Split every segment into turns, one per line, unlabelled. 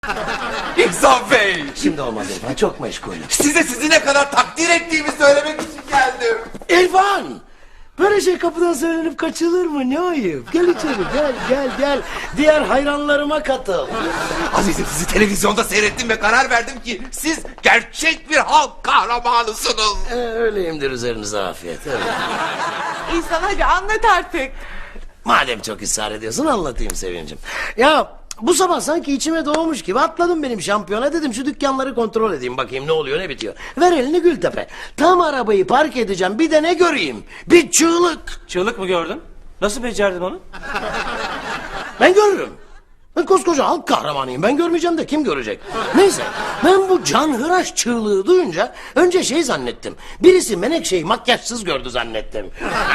İhsan Bey.
Şimdi olmaz İrfan, çok meşgulüm.
Size sizi ne kadar takdir ettiğimi söylemek için geldim.
İrfan! Böyle şey kapıdan söylenip kaçılır mı? Ne ayıp. Gel içeri, gel. Diğer hayranlarıma katıl.
Azizim, sizi televizyonda seyrettim ve karar verdim ki siz gerçek bir halk kahramanısınız.
Öyleyimdir, üzerinize afiyet. Evet.
İhsan hadi anlat artık.
Madem çok ısrar ediyorsun anlatayım Sevincim. Ya bu sabah sanki içime doğmuş gibi atladım benim şampiyona, dedim şu dükkanları kontrol edeyim bakayım ne oluyor ne bitiyor. Ver elini Gültepe. Tam arabayı park edeceğim, bir de ne göreyim? Bir çığlık.
Çığlık mı gördün? Nasıl becerdin onu?
Ben görürüm. Ben koskoca halk kahramanıyım. Ben görmeyeceğim de kim görecek? Neyse, ben bu canhıraş çığlığı duyunca önce şey zannettim. Birisi Menekşe'yi makyajsız gördü zannettim.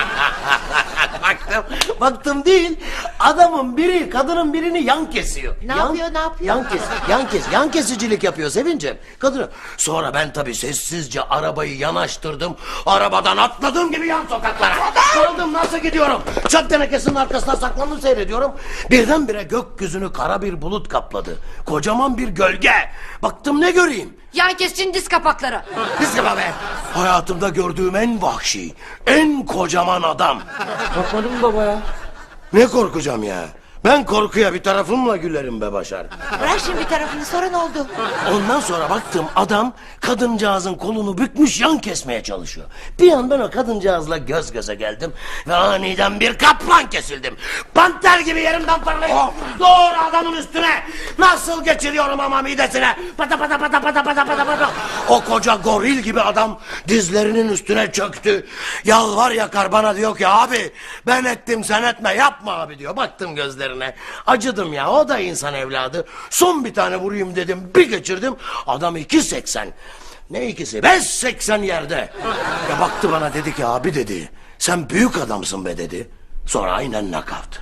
Baktım değil. Adamın biri kadının birini yan kesiyor.
Ne yapıyor?
Yan kesicilik yapıyor Sevincim. Kadını. Sonra ben tabii sessizce arabayı yanaştırdım. Arabadan atladığım gibi yan sokaklara. Kaldım, nasıl gidiyorum? Çöp tenekesinin arkasına saklandım, seyrediyorum. Birdenbire gökyüzünü kara bir bulut kapladı. Kocaman bir gölge. Baktım ne göreyim?
Yan kesicinin diz kapakları.
Kızma be. Hayatımda gördüğüm en vahşi, en kocaman adam.
Korkmadın mı baba ya?
Ne korkacağım ya? Ben korkuya bir tarafımla gülerim be Başar.
Bırak şimdi bir tarafını, sonra ne oldu?
Ondan sonra baktım adam kadıncağızın kolunu bükmüş yan kesmeye çalışıyor. Bir an ben o kadıncağızla göz göze geldim ve aniden bir kaplan kesildim. Panter gibi yerimden fırlayıp doğru adamın üstüne nasıl geçiriyorum ama midesine. Pata pata pata pata pata pata pata. O koca goril gibi adam dizlerinin üstüne çöktü. Yalvar yakar bana, diyor ki abi ben ettim sen etme, yapma abi diyor. Baktım gözlerine. Acıdım ya, o da insan evladı. Son bir tane vurayım dedim, bir geçirdim. Adam 2.80. Ne ikisi? 5.80 yerde. Ya baktı bana, dedi ki abi dedi, sen büyük adamsın be dedi. Sonra aynen nakavt.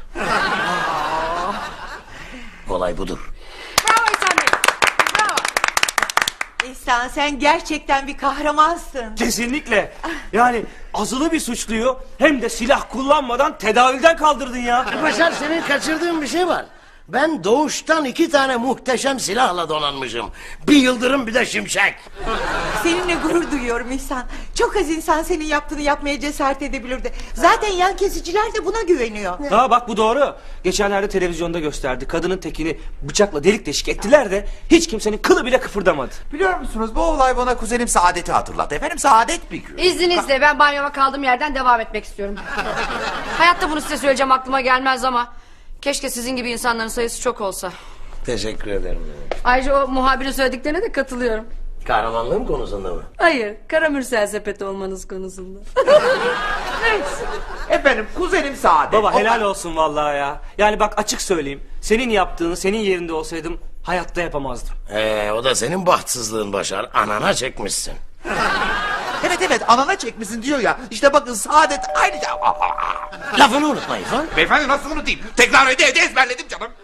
Olay budur.
Bravo İhsan Bey. Bravo.
İhsan sen gerçekten bir kahramansın.
Kesinlikle. Yani azılı bir suçluyu hem de silah kullanmadan tedavülden kaldırdın ya.
Başar, senin kaçırdığın bir şey var. Ben doğuştan 2 tane muhteşem silahla donanmışım. Bir yıldırım, bir de şimşek.
Seninle gurur duyuyorum İhsan. Çok az insan senin yaptığını yapmaya cesaret edebilirdi. Zaten yan kesiciler de buna güveniyor.
Ha bak, bu doğru. Geçenlerde televizyonda gösterdi. Kadının tekini bıçakla delik deşik ettiler de hiç kimsenin kılı bile kıpırdamadı.
Biliyor musunuz, bu olay bana kuzenim Saadet'i hatırlattı. Efendim, Saadet bir gün.
İzninizle ben banyoma kaldığım yerden devam etmek istiyorum. Hayatta bunu size söyleyeceğim aklıma gelmez ama keşke sizin gibi insanların sayısı çok olsa.
Teşekkür ederim.
Ayrıca o muhabirin söylediklerine de katılıyorum.
Kahramanlığım konusunda mı?
Hayır, Karamürsel sepeti olmanız konusunda.
Efendim, kuzenim Saadet.
Baba helal olsun vallahi ya. Yani bak, açık söyleyeyim. Senin yaptığını senin yerinde olsaydım hayatta yapamazdım.
O da senin bahtsızlığın Başar. Anana çekmişsin.
Evet, anana çekmişsin diyor ya. İşte bakın, Saadet aynı...
Lafını unutma İrfan.
Beyefendi, nasıl unutayım? Tekrar evde ezberledim canım.